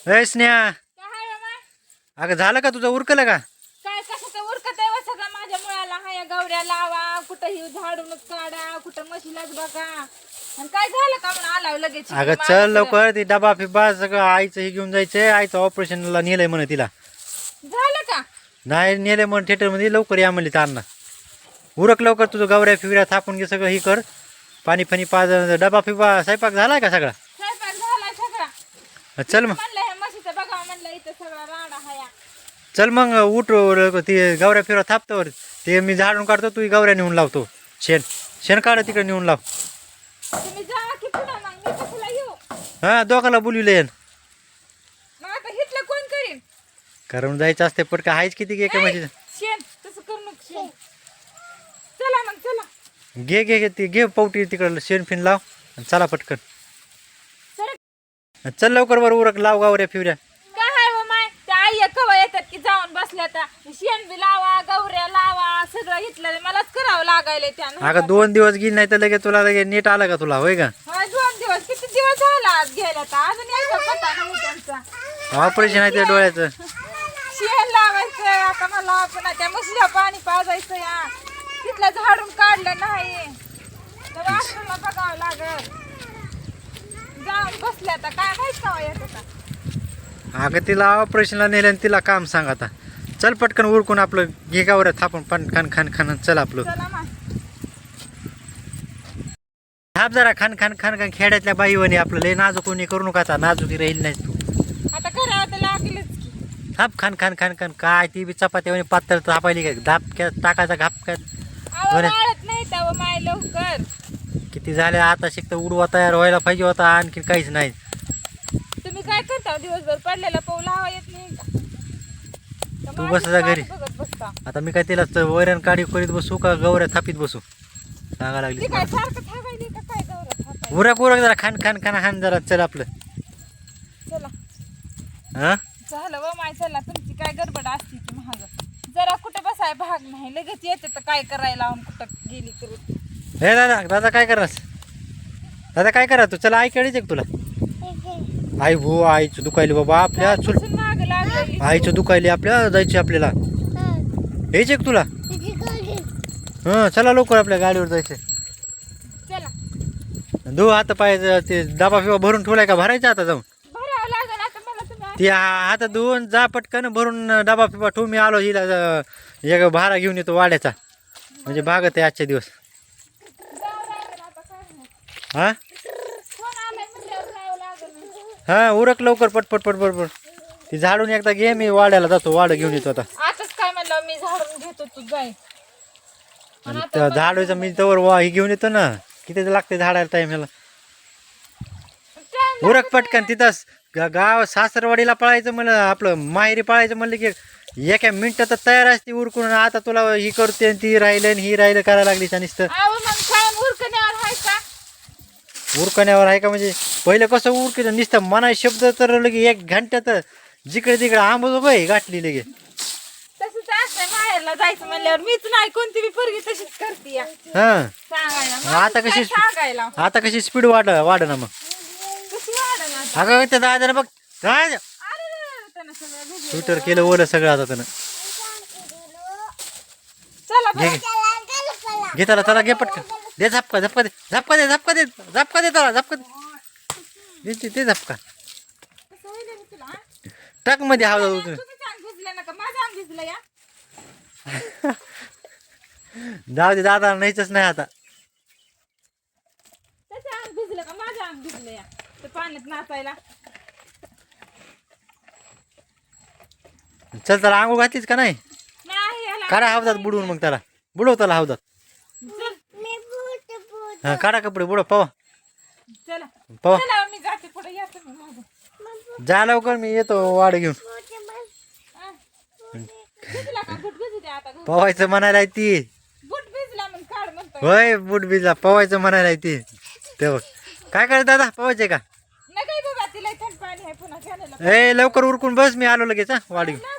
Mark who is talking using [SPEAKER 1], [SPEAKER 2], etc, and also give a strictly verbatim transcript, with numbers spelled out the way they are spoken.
[SPEAKER 1] ए स्नेहा,
[SPEAKER 2] काय हाय हो माय?
[SPEAKER 1] अगं झालं का तुझं उरकलं का?
[SPEAKER 2] काय कशाचं उरकत आहे व सगळं माझ्या मुळाला हाया गवऱ्या लावा कुठं ही झाडूनच काढा कुठं म्हशीलाच बघा आणि काय झालं का म्हणून आला लगेच
[SPEAKER 1] अगं चल लवकर, ती डबा फिबा सगळं आईचं हे घेऊन जायचंय. आईचं ऑपरेशनला नेलंय म्हणे तिला.
[SPEAKER 2] झालं का?
[SPEAKER 1] नाही नेलंय म्हणे थिएटर मध्ये. लवकर या म्हणली तारणा. उरक लवकर, तुझं गवऱ्या फिवऱ्या थापून घे सगळं. ही कर, पाणी फाणी पाज. डबा फिबा स्वयंपाक झालाय का सगळा?
[SPEAKER 2] स्वयंपाक झालाय सगळा.
[SPEAKER 1] चल मग
[SPEAKER 2] म्हणलं हे म्हशीचं बघा म्हणलं इथं सगळा राडा हाया.
[SPEAKER 1] चल मग उठ. ती गवऱ्या फिवऱ्या थापतो. ते मी झाडून काढतो, तू गवऱ्या नेऊन लावतो. शेण शेण काढ तिकडे नेऊन लाव.
[SPEAKER 2] तुम्ही जा की पुढं मग मी कशाला येऊ?
[SPEAKER 1] हा दोघाला बोलविले.
[SPEAKER 2] मग आता हिटलं कोण करीन?
[SPEAKER 1] करून जायचं असते पटका. आहेच किती घे का म्हणजे.
[SPEAKER 2] शेण तसं करू नको शेण. चला मग चला.
[SPEAKER 1] घे घे घे ती घे पावटी तिकडं शेण फिन लाव आणि चला पटकन.
[SPEAKER 2] चला.
[SPEAKER 1] चल लवकर बरं उरक लाव गावऱ्या फिवऱ्या.
[SPEAKER 2] काय हाय हो माय? त्या आई कवा येतात की जाऊन बसल्या तर शेण बी लावा गवऱ्या लावा सगळं इथलं मलाच करावं लागायलंय त्यानं.
[SPEAKER 1] अगं दोन दिवस गेली नाही तर लगेच तुला लगेच नीट आलं का तुला? होय का?
[SPEAKER 2] होय दोन दिवस किती दिवस झाला आज गेला तर अजून यायचा पत्ता नाही त्यांचा.
[SPEAKER 1] ऑपरेशन आहे त्या डोळ्याचं.
[SPEAKER 2] शेण लावायचं आता मला पुन्हा त्या म्हशीला पाणी पाजायचं या तिथलं झाडून काढलं नाही तर वासराला बघावं लागल. जाऊन बसल्या आता काय माहित का येत आता.
[SPEAKER 1] अगं तिला ऑपरेशनला नेलं आणि तिला काम सांग आता. चल पटकन उरकून आपलं घे गावऱ्या थापून पण खान खान खान चल आपलं.
[SPEAKER 2] चला मग.
[SPEAKER 1] थाप जरा खान खान खान खान. खेड्यातल्या बाईवणी आपलं लय नाजूक कोणी करू नका आता. नाजूकी राहील नाही तू.
[SPEAKER 2] आता करावं तर लागलंच की.
[SPEAKER 1] थाप खान खान खान खान. काय ती बी चपात्या पातळ थापायली काय धापक्यात टाकायचा घापक्यात.
[SPEAKER 2] अहो वाळत नाही तर माय लवकर.
[SPEAKER 1] किती झाले आता शिकता उडवा तयार व्हायला पाहिजे होता. आणखी काहीच नाही.
[SPEAKER 2] तुम्ही काय करता दिवसभर पडलेला पाऊल हवा येत नाही का? तर
[SPEAKER 1] तू
[SPEAKER 2] माझी
[SPEAKER 1] बस जा घरी.
[SPEAKER 2] वाट बघत बसता.
[SPEAKER 1] आता मी काय तिला वैरण काढी करीत बसू का गवऱ्या थापीत बसू सांगा लागली.
[SPEAKER 2] ती काय सारखं थांबायली का काय गौरव थांबायली?
[SPEAKER 1] उरक उरक जरा खान खान खान हान जरा चल आपलं.
[SPEAKER 2] चला
[SPEAKER 1] हा
[SPEAKER 2] झालं व माय चला. तुमची काय गडबड असते की महाग जरा कुठे बसाय भाग नाही लगेच येते तर काय करायला लावून कुठं गेली करून.
[SPEAKER 1] हे दादा दादा काय करणार? दादा काय करा तू? चला आई कळीच तुला. आई भो आईचं दुखायली बाबा आपल्या. चुल
[SPEAKER 2] माग लागलेली
[SPEAKER 1] आईचं दुखायली आपल्या. जायची आपल्याला. हेच एक तुला. हा चला लवकर आपल्या गाडीवर जायचं.
[SPEAKER 2] चला
[SPEAKER 1] धु हात पाय. ते डबा फिबा भरून ठेवलाय का? भरायचा आता जाऊन.
[SPEAKER 2] भरावं लागेल आता मला तुम्ही.
[SPEAKER 1] ती हात धुवून जा पटकन भरून डबा फिबा ठेवून मी आलो. हिला एक भारा घेऊन येतो वाड्याचा. म्हणजे भागत आहे आजचे दिवस.
[SPEAKER 2] जावं लागेल आता काय नाही.
[SPEAKER 1] हा
[SPEAKER 2] फोन आलाय म्हणल्यावर जावं लागेल.
[SPEAKER 1] हा उरक लवकर पटपट पटपट पट. ती झाडून एकदा घे. मी वाड्याला जातो. वाडं घेऊन येतो आता.
[SPEAKER 2] आताच काय म्हणलं मी झाडून घेतो तू जाय.
[SPEAKER 1] आणि त्या झाडाचं मी तवर वा ही घेऊन येतो ना. किती लागते झाडाला टाइम ह्याला. उरक पटकन. तिथंच गा- गाव सासरवाडीला पळायचं म्हणलं आपलं माहेरी पळायचं म्हणलं की एका मिनिटात तयार असते उरकून. आता तुला ही करते आणि ती राहिलं आणि ही राहिलं करायला लागली. नुसतं
[SPEAKER 2] अहो मग काय उरकण्यावर आहे का?
[SPEAKER 1] उरकण्यावर आहे का? म्हणजे पहिलं कसं उरकत नुसतं मनाय शब्द तर लगे एक घंट्यात जिकडे तिकडे आंबोजोबाई गाठली लगे.
[SPEAKER 2] तसंच असतंय माहेरला जायचं म्हणल्यावर मीच नाही कोणती बी पोरगी तशीच करते या.
[SPEAKER 1] हा
[SPEAKER 2] सांगायला
[SPEAKER 1] आता
[SPEAKER 2] माणूस काय
[SPEAKER 1] कशी
[SPEAKER 2] सांगायला
[SPEAKER 1] आता कशी स्पीड वाढ वाढ ना मग.
[SPEAKER 2] कशी वाढन आता.
[SPEAKER 1] अगं त्या दादानं बघ काय
[SPEAKER 2] अरे रे, त्यानं सगळं भिजलं.
[SPEAKER 1] स्वेटर केलं ओलं सगळं आता त्यानं.
[SPEAKER 2] चला
[SPEAKER 1] घे
[SPEAKER 2] बरं.
[SPEAKER 1] घे घे त्याला त्याला घे पटकन. दे झपका झपका दे झपका दे झपका दे झपका दे त्याला झपका दे. दे दे झपका.
[SPEAKER 2] कसं होईल हे तुला, हा?
[SPEAKER 1] टाक मध्ये हवा जाऊ.
[SPEAKER 2] तुम्हीच अंग भिजलं नका माझं अंग भिजलं या.
[SPEAKER 1] जाऊ दे दादा नाहीच नाही आता.
[SPEAKER 2] त्याचं अंग भिजलं का माझं अंग भिजलं या ते पाण्यात नाचायला.
[SPEAKER 1] चल त्याला आंघोळ घातलीच का नाही?
[SPEAKER 2] नाही याला
[SPEAKER 1] काढा हवदात बुडवून मग त्याला. बुडव त्याला हवदात.
[SPEAKER 2] चल.
[SPEAKER 1] हा काढा कपडे बुडव पवा
[SPEAKER 2] चला
[SPEAKER 1] पवा.
[SPEAKER 2] चला मी जाते पुढे या तुम्ही माझं.
[SPEAKER 1] जा लवकर मी येतो वाड घेऊन.
[SPEAKER 2] हा. भिजला का बुट भिजू द्या आता.
[SPEAKER 1] पवायचं म्हणायला आहे ती.
[SPEAKER 2] बुट भिजला मग काढ म्हणतोय.
[SPEAKER 1] होय बूट बिजला पवायचं म्हणायला आहे ती. ते बघ काय करत दादा पवायचे का?
[SPEAKER 2] नका बाबा तिला थंड पाणी आहे पुन्हा घ्यायला.
[SPEAKER 1] ए लवकर उरकून बस मी आलो लगेच हा वाढ घेऊन.